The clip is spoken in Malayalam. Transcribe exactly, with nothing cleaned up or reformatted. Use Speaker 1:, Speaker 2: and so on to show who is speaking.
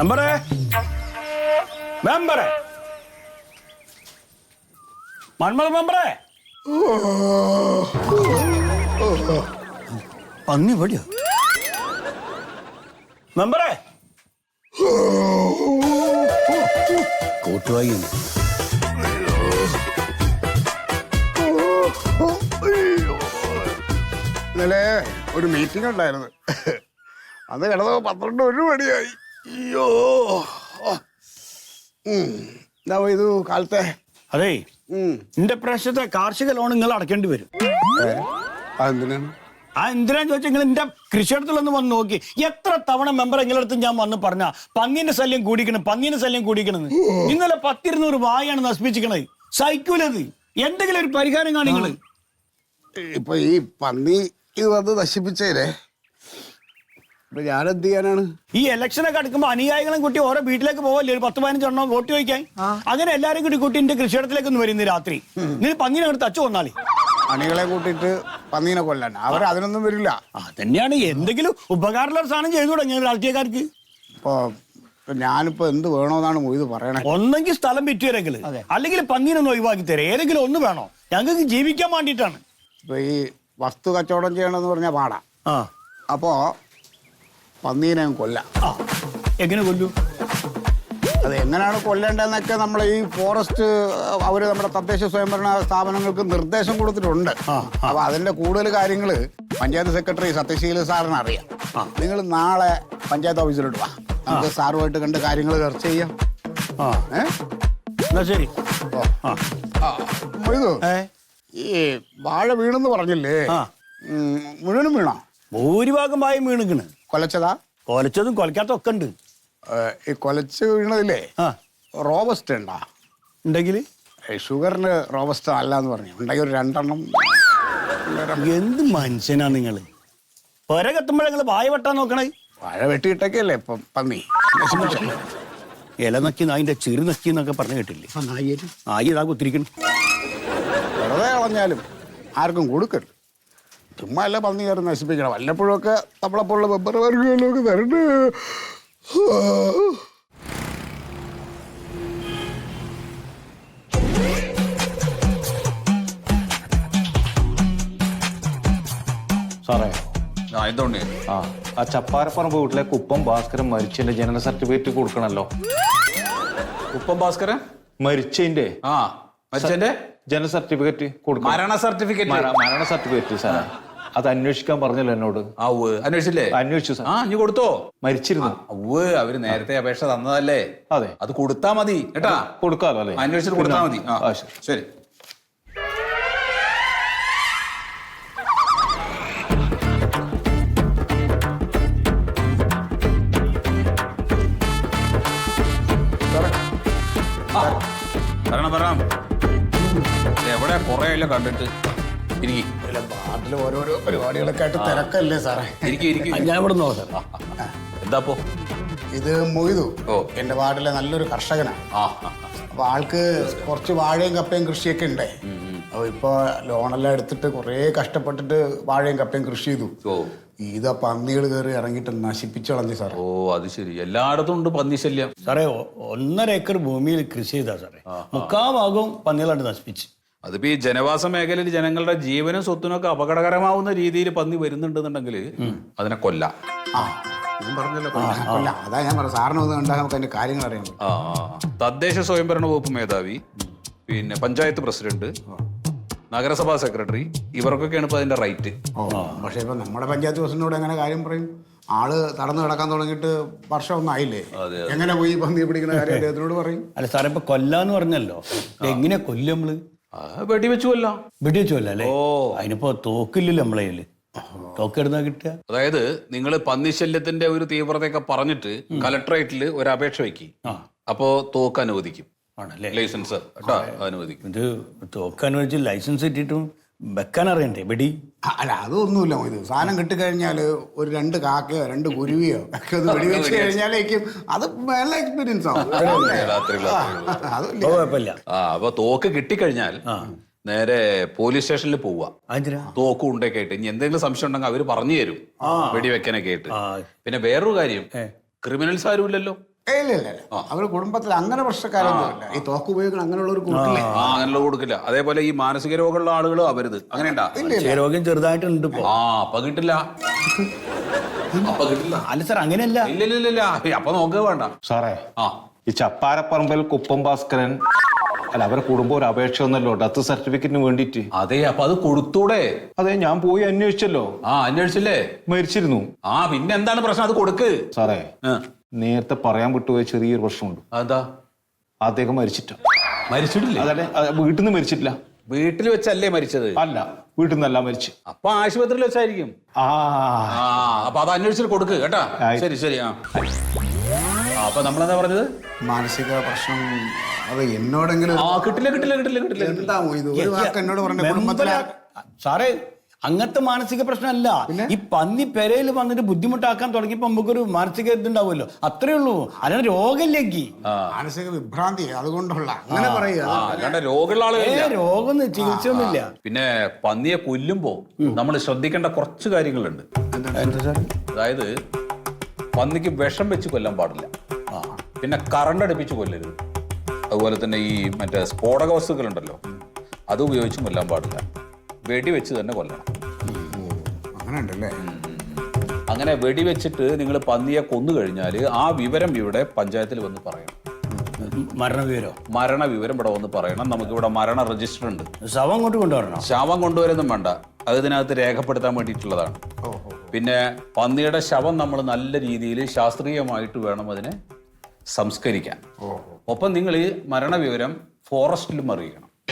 Speaker 1: മെമ്പറേ മെമ്പറേ മന്മത മെമ്പറേ പന്നി പടിയോ മെമ്പറേ കൂട്ടുവായി
Speaker 2: ഇന്നലെ ഒരു മീറ്റിംഗ് ഉണ്ടായിരുന്നു. അത് കിടന്നപ്പോ പന്ത്രണ്ട് ഒരു മണിയായി. അയ്യോ എന്താ ഇത് കാലത്തെ.
Speaker 1: അതേ എന്റെ പ്രാവശ്യത്തെ കാർഷിക ലോൺ നിങ്ങൾ അടക്കേണ്ടി വരും.
Speaker 2: അതെന്തിനാണ്?
Speaker 1: ആ എന്തിനാന്ന് ചോദിച്ചാൽ നിങ്ങൾ എന്റെ കൃഷിയിടത്തിലൊന്ന് വന്ന് നോക്കി. എത്ര തവണ മെമ്പർ നിങ്ങളടുത്ത് ഞാൻ വന്ന് പറഞ്ഞ പന്നീന്റെ ശല്യം കൂടിക്കണം പന്നീന്റെ ശല്യം കൂടിക്കണെന്ന്. ഇന്നലെ പത്തിരുന്നൂറ് വായാണ് നശിപ്പിച്ചിക്കണത്. സൈക്കൂലത് എന്തെങ്കിലും ഒരു പരിഹാരം കാണിങ്ങള്.
Speaker 2: ഇപ്പൊ ഈ പന്നി ഇത് വന്ന് നശിപ്പിച്ചേരെ ഇപ്പൊ ഞാനെന്ത് ചെയ്യാനാണ്?
Speaker 1: ഈ ഇലക്ഷനൊക്കെ അടുക്കുമ്പോ അനുയായികളും കൂട്ടി ഓരോ വീട്ടിലേക്ക് പോവല്ലേ ഒരു പത്ത് പതിനഞ്ചെണ്ണം വോട്ട് ചോദിക്കാൻ. അങ്ങനെ എല്ലാരും കൂടി കൂട്ടി എന്റെ കൃഷിയിടത്തിലേക്ക് ഒന്ന് വരുന്നു രാത്രി. നീ പന്നീനെ അങ്ങോട്ട് തച്ചു വന്നാളി.
Speaker 2: അണികളെ കൂട്ടിയിട്ട് പന്നീനെ കൊല്ലാൻ അവർ അതിനൊന്നും വരില്ല.
Speaker 1: അതന്നെയാണ് എന്തെങ്കിലും ഉപകാരമുള്ള സാധനം ചെയ്തു തുടങ്ങിയ രാഷ്ട്രീയക്കാർക്ക്.
Speaker 2: ഇപ്പൊ ഞാനിപ്പോ എന്ത് വേണോന്നാണ് മൊയ്ത് പറയണേ.
Speaker 1: ഒന്നെങ്കിൽ സ്ഥലം വിറ്റുവരെങ്കിൽ അല്ലെങ്കിൽ പന്നീനൊന്ന് ഒഴിവാക്കി തരാം. ഏതെങ്കിലും ഒന്ന് വേണോ? ഞങ്ങൾക്ക് ജീവിക്കാൻ വേണ്ടിയിട്ടാണ്.
Speaker 2: ഇപ്പൊ ഈ വസ്തു കച്ചവടം ചെയ്യണമെന്ന് പറഞ്ഞാൽ പാടാ. അപ്പോ പന്നീനെ കൊല്ലാം.
Speaker 1: എങ്ങനെ കൊല്ലൂ?
Speaker 2: അത് എങ്ങനെയാണ് കൊല്ലേണ്ടതെന്നൊക്കെ നമ്മൾ ഈ ഫോറസ്റ്റ് അവര് നമ്മുടെ തദ്ദേശ സ്വയംഭരണ സ്ഥാപനങ്ങൾക്ക് നിർദ്ദേശം കൊടുത്തിട്ടുണ്ട്. അപ്പൊ അതിന്റെ കൂടുതൽ കാര്യങ്ങള് പഞ്ചായത്ത് സെക്രട്ടറി സത്യശീല സാറിന് അറിയാം. നിങ്ങൾ നാളെ പഞ്ചായത്ത് ഓഫീസിലോട്ട് വാ, നമുക്ക് സാറുമായിട്ട് കണ്ട് കാര്യങ്ങൾ ചർച്ച ചെയ്യാം.
Speaker 1: എന്നാ ശരി.
Speaker 2: ഈ വാഴ വീണെന്ന് പറഞ്ഞില്ലേ, മുഴുവനും വീണോ?
Speaker 1: ഭൂരിഭാഗം വായും വീണിക്കണ്.
Speaker 2: കൊലച്ചതാ?
Speaker 1: കൊലച്ചതും കൊലക്കാത്തതും ഒക്കെ ഉണ്ട്.
Speaker 2: ഈ കൊലച്ച് വീണതില്ലേ റോബസ്റ്റ് ഉണ്ടാ?
Speaker 1: ഉണ്ടെങ്കിൽ
Speaker 2: ഷുഗറിന് റോബസ്റ്റ് അല്ല എന്ന് പറഞ്ഞു. ഉണ്ടെങ്കിൽ ഒരു രണ്ടെണ്ണം.
Speaker 1: എന്ത് മനുഷ്യനാ നിങ്ങള്? പൊര കത്തുമ്പോഴേ നിങ്ങള് വായ വെട്ടാൻ നോക്കണേ.
Speaker 2: വാഴ വെട്ടിയിട്ടൊക്കെയല്ലേ ഇപ്പം പന്നി
Speaker 1: ഇല നക്കി നായിന്റെ ചെറു നക്കി എന്നൊക്കെ പറഞ്ഞു കേട്ടില്ലേ? നായി ഇതാ കുത്തിരിക്കണം.
Speaker 2: വെറുതെ കളഞ്ഞാലും ആർക്കും കൊടുക്കരുത്. ചുമ്മാ അല്ല പന്നി കയറി നശിപ്പിക്കണം. വല്ലപ്പോഴും ഒക്കെ നമ്മളെപ്പോലുള്ള വെബ്ബർ വർഗങ്ങളിലൊക്കെ തരണ്ട്.
Speaker 3: സാറേ
Speaker 4: ആ എന്തുകൊണ്ട്
Speaker 3: ആ ആ ചപ്പാരപ്പറമ്പ് വീട്ടിലെ കുപ്പം ഭാസ്കരൻ മരിച്ചതിന്റെ ജനന സർട്ടിഫിക്കറ്റ് കൊടുക്കണല്ലോ.
Speaker 4: കുപ്പം ഭാസ്കരൻ
Speaker 3: മരിച്ചതിന്റെ
Speaker 4: ആ മരിച്ചതിന്റെ
Speaker 3: ജനന സർട്ടിഫിക്കറ്റ് കൊടുക്കണം.
Speaker 4: മരണ സർട്ടിഫിക്കറ്റ്
Speaker 3: മരണ സർട്ടിഫിക്കറ്റ് സാറേ, അത് അന്വേഷിക്കാൻ പറഞ്ഞല്ലോ എന്നോട്.
Speaker 4: ആ ഉവ്വ് അന്വേഷിച്ചില്ലേ?
Speaker 3: അന്വേഷിച്ചു സാർ.
Speaker 4: ആ നീ കൊടുത്തോ?
Speaker 3: മരിച്ചിരുന്നു.
Speaker 4: ഉവ്വ് അവര് നേരത്തെ അപേക്ഷ തന്നതല്ലേ?
Speaker 3: അതെ,
Speaker 4: അത് കൊടുത്താ മതി കേട്ടാ.
Speaker 3: കൊടുക്കാലോ അല്ലേ?
Speaker 4: അന്വേഷിച്ചിട്ട് കൊടുത്താ മതി. ആ ശരി. പറയണം പറയണം. എവിടെ കൊറേ അല്ല കണ്ടിട്ട്. ഇരിക്കും.
Speaker 2: നാട്ടിൽ ഓരോരോ പരിപാടികളൊക്കെ ആയിട്ട് തിരക്കല്ലേ സാറേ?
Speaker 1: ഞാൻ ഇവിടെ നോക്കാം.
Speaker 4: എന്താപ്പോ
Speaker 2: ഇത് മൊയ്തു.
Speaker 4: ഓ
Speaker 2: എന്റെ വാർഡിലെ നല്ലൊരു കർഷകനാണ്.
Speaker 4: ആ
Speaker 2: അപ്പൊ ആൾക്ക് കുറച്ച് വാഴയും കപ്പയും കൃഷിയൊക്കെ ഉണ്ടേ. അപ്പൊ ഇപ്പൊ ലോണെല്ലാം എടുത്തിട്ട് കുറെ കഷ്ടപ്പെട്ടിട്ട് വാഴയും കപ്പയും കൃഷി ചെയ്തു.
Speaker 4: ഓ
Speaker 2: ഇതാ പന്നികൾ കയറി ഇറങ്ങിയിട്ട് നശിപ്പിച്ചു കളഞ്ഞു സാറേ.
Speaker 4: ഓ അത് ശരി. എല്ലായിടത്തും ഉണ്ട് പന്നി ശല്യം
Speaker 1: സാറേ. ഒന്നര ഏക്കർ ഭൂമിയിൽ കൃഷി ചെയ്താ സാറേ മുക്കാ ഭാഗവും പന്നികളാണ്ട് നശിപ്പിച്ച്.
Speaker 4: അതിപ്പോ ഈ ജനവാസ മേഖലയിൽ ജനങ്ങളുടെ ജീവനും സ്വത്തിനും ഒക്കെ അപകടകരമാവുന്ന രീതിയിൽ പന്നി വരുന്നുണ്ടെന്നുണ്ടെങ്കിൽ അതിനെ കൊല്ലാം.
Speaker 2: കൊല്ലാം. അതാ ഞാൻ പറഞ്ഞു സാറിന് ഒന്ന് കണ്ടാൽ നമുക്ക് അതിന്റെ കാര്യങ്ങൾ അറിയാൻ പറ്റും.
Speaker 4: ആ തദ്ദേശ സ്വയംഭരണ വകുപ്പ് മേധാവി, പിന്നെ പഞ്ചായത്ത് പ്രസിഡന്റ്, നഗരസഭാ സെക്രട്ടറി, ഇവർക്കൊക്കെയാണ് ഇപ്പൊ അതിന്റെ റൈറ്റ്.
Speaker 2: പക്ഷെ ഇപ്പൊ നമ്മുടെ പഞ്ചായത്ത് പ്രസിഡന്റിനോട് എങ്ങനെ കാര്യം പറയും? ആള് തടന്നു കിടക്കാൻ തുടങ്ങിയിട്ട് വർഷം ഒന്നും ആയില്ലേ? എങ്ങനെ പോയി പന്നി പിടിക്കുന്ന കാര്യം അദ്ദേഹത്തിനോട് പറയും?
Speaker 1: അല്ല സാറേ, ഇപ്പൊ കൊല്ലാന്ന് പറഞ്ഞല്ലോ, എങ്ങനെ കൊല്ലും നമ്മള്?
Speaker 4: വെടിവെച്ചു കൊല്ലാം.
Speaker 1: വെടിവെച്ചു കൊല്ലാം അല്ലേ? അതിനിപ്പോ തോക്കില്ലല്ലോ നമ്മളെ കയ്യില്. തോക്കെടുന്നാ കിട്ടുക.
Speaker 4: അതായത് നിങ്ങൾ പന്നിശല്യത്തിന്റെ ഒരു തീവ്രതയൊക്കെ പറഞ്ഞിട്ട് കലക്ടറേറ്റിൽ ഒരു അപേക്ഷ വയ്ക്കി. അപ്പോ തോക്ക് അനുവദിക്കും.
Speaker 1: ആണല്ലേ?
Speaker 4: ലൈസൻസ് അനുവദിക്കും.
Speaker 1: ഇത് തോക്ക് അനുവദിച്ച് ലൈസൻസ് കിട്ടിയിട്ടും വെക്കാൻ അറിയണ്ടേ വെടി?
Speaker 2: അല്ല അതൊന്നുമില്ല. ഇത് സാധനം കിട്ടിക്കഴിഞ്ഞാല് ഒരു രണ്ട് കാക്കയോ രണ്ട് കുരുവിയോ ഒക്കെ ഒന്ന് വെടിവെച്ച് കഴിഞ്ഞാലേക്കും അത് നല്ല എക്സ്പീരിയൻസ് ആവും.
Speaker 1: കുഴപ്പമില്ല.
Speaker 4: ആ അപ്പൊ തോക്ക് കിട്ടിക്കഴിഞ്ഞാൽ നേരെ പോലീസ് സ്റ്റേഷനിൽ പോവുക. തോക്കും ഉണ്ടൊക്കെ ആയിട്ട് ഇനി എന്തെങ്കിലും സംശയം ഉണ്ടെങ്കിൽ അവര് പറഞ്ഞു തരും വെടിവെക്കാനൊക്കെ ആയിട്ട്. പിന്നെ വേറൊരു കാര്യം, ക്രിമിനൽസ് ആരും ഇല്ലല്ലോ.
Speaker 2: ഏയ് ഇല്ല ഇല്ല ഇല്ല. അവര് കുടുംബത്തിൽ അങ്ങനെ പ്രശ്നക്കാരൊന്നുമില്ല. ഈ തോക്ക് ഉപയോഗിക്കണം അങ്ങനെയുള്ള ഒരു കൂട്ടില്ലേ.
Speaker 4: ആ അങ്ങനെയുള്ള കൊടുക്കില്ല. അതേപോലെ ഈ മാനസിക രോഗമുള്ള ആളുകൾ അവരുത് അങ്ങനെയുണ്ടാ?
Speaker 1: രോഗ്യം ചെറുതായിട്ടുണ്ട് ഇപ്പൊ.
Speaker 4: ആ അപ്പൊ കിട്ടില്ല, അപ്പൊ കിട്ടില്ല.
Speaker 1: അല്ല സാർ അങ്ങനെയല്ല.
Speaker 4: ഇല്ല ഇല്ല ഇല്ല അപ്പൊ നോക്കുക വേണ്ട
Speaker 3: സാറേ
Speaker 4: ആ
Speaker 3: ഈ ചപ്പാരപ്പറമ്പിൽ കുപ്പം ഭാസ്കരൻ അല്ല അവരെ കുടുംബം ഒരു അപേക്ഷ ഒന്നല്ലോ ഡെത്ത് സർട്ടിഫിക്കറ്റിന് വേണ്ടിയിട്ട്.
Speaker 4: അതെ അപ്പൊ അത് കൊടുത്തൂടെ?
Speaker 3: അതെ ഞാൻ പോയി അന്വേഷിച്ചല്ലോ.
Speaker 4: ആ അന്വേഷിച്ചില്ലേ?
Speaker 3: മരിച്ചിരുന്നു.
Speaker 4: ആ പിന്നെ എന്താണ് പ്രശ്നം? അത് കൊടുക്ക്.
Speaker 3: സാറേ
Speaker 4: ആ.
Speaker 3: നേരത്തെ പറയാൻ വിട്ടുപോയ ചെറിയൊരു പ്രശ്നമുണ്ട്.
Speaker 4: അതാ
Speaker 3: അദ്ദേഹം മരിച്ചിട്ട.
Speaker 4: മരിച്ചിട്ടില്ലേ?
Speaker 3: അതെ വീട്ടിൽ നിന്ന് മരിച്ചിട്ടില്ല.
Speaker 4: വീട്ടിൽ വെച്ചല്ലേ മരിച്ചത്?
Speaker 3: അല്ല വീട്ടിൽ നിന്നല്ല മരിച്ചു.
Speaker 4: അപ്പൊ ആശുപത്രിയിൽ വെച്ചായിരിക്കും.
Speaker 3: ആ
Speaker 4: ആ അപ്പൊ അത് അന്വേഷിച്ചിട്ട് കൊടുക്ക് കേട്ടാ.
Speaker 3: ആയി.
Speaker 4: ശരി ശരി. ആ ആ, അപ്പൊ നമ്മളെന്താ പറഞ്ഞത്?
Speaker 2: മാനസിക പ്രശ്നം അത് എന്നോടെങ്കിലും
Speaker 4: ആ കിട്ടില്ല കിട്ടില്ല കിട്ടില്ല കിട്ടില്ല കിട്ടില്ല.
Speaker 2: എന്താ ഇത് ഒരു വാക്ക് എന്നോട് പറഞ്ഞ കുടുംബത്തിലെ
Speaker 1: സാറേ അങ്ങനത്തെ മാനസിക പ്രശ്നമല്ല. ഈ പന്നി പെരയിൽ വന്നിട്ട് ബുദ്ധിമുട്ടാക്കാൻ തുടങ്ങിയപ്പോ നമുക്കൊരു മാനസിക ഇതുണ്ടാവുമല്ലോ, അത്രേ ഉള്ളൂ. അല്ലാതെ രോഗമില്ലെങ്കിൽ
Speaker 2: മാനസിക വിഭ്രാന്തി അതുകൊണ്ടുള്ള അങ്ങനെ പറയുക.
Speaker 4: ആ അല്ലാണ്ട് രോഗമുള്ള ആളുകളില്ല.
Speaker 1: രോഗം ചികിത്സയൊന്നുമില്ല.
Speaker 4: പിന്നെ പന്നിയെ കൊല്ലുമ്പോ നമ്മൾ ശ്രദ്ധിക്കേണ്ട കുറച്ച് കാര്യങ്ങളുണ്ട്. അതായത് പന്നിക്ക് വിഷം വെച്ച് കൊല്ലാൻ പാടില്ല. പിന്നെ കറണ്ട് അടുപ്പിച്ച് കൊല്ലരുത്. അതുപോലെ തന്നെ ഈ മറ്റേ സ്ഫോടക വസ്തുക്കളുണ്ടല്ലോ അത് ഉപയോഗിച്ച് കൊല്ലാൻ പാടില്ല. വെടിവെച്ച് തന്നെ കൊല്ലണം.
Speaker 2: അങ്ങനെ ഉണ്ടല്ലേ.
Speaker 4: അങ്ങനെ വെടിവെച്ചിട്ട് നിങ്ങൾ പന്നിയെ കൊന്നു കഴിഞ്ഞാൽ ആ വിവരം ഇവിടെ പഞ്ചായത്തിൽ വന്ന് പറയണം.
Speaker 1: മരണവിവരോ?
Speaker 4: മരണവിവരം ഇവിടെ വന്ന് പറയണം. നമുക്കിവിടെ മരണ രജിസ്റ്റർ ഉണ്ട്.
Speaker 1: ശവം കൊണ്ട് കൊണ്ടുവരണം.
Speaker 4: ശവം കൊണ്ടുവരുന്നും വേണ്ട, അത് ഇതിനകത്ത് രേഖപ്പെടുത്താൻ വേണ്ടിയിട്ടുള്ളതാണ്. പിന്നെ പന്നിയുടെ ശവം നമ്മൾ നല്ല രീതിയിൽ ശാസ്ത്രീയമായിട്ട് വേണം അതിനെ സംസ്കരിക്കാൻ. ഒപ്പം നിങ്ങൾ ഈ മരണവിവരം ഫോറസ്റ്റിലും അറിയിക്കണം.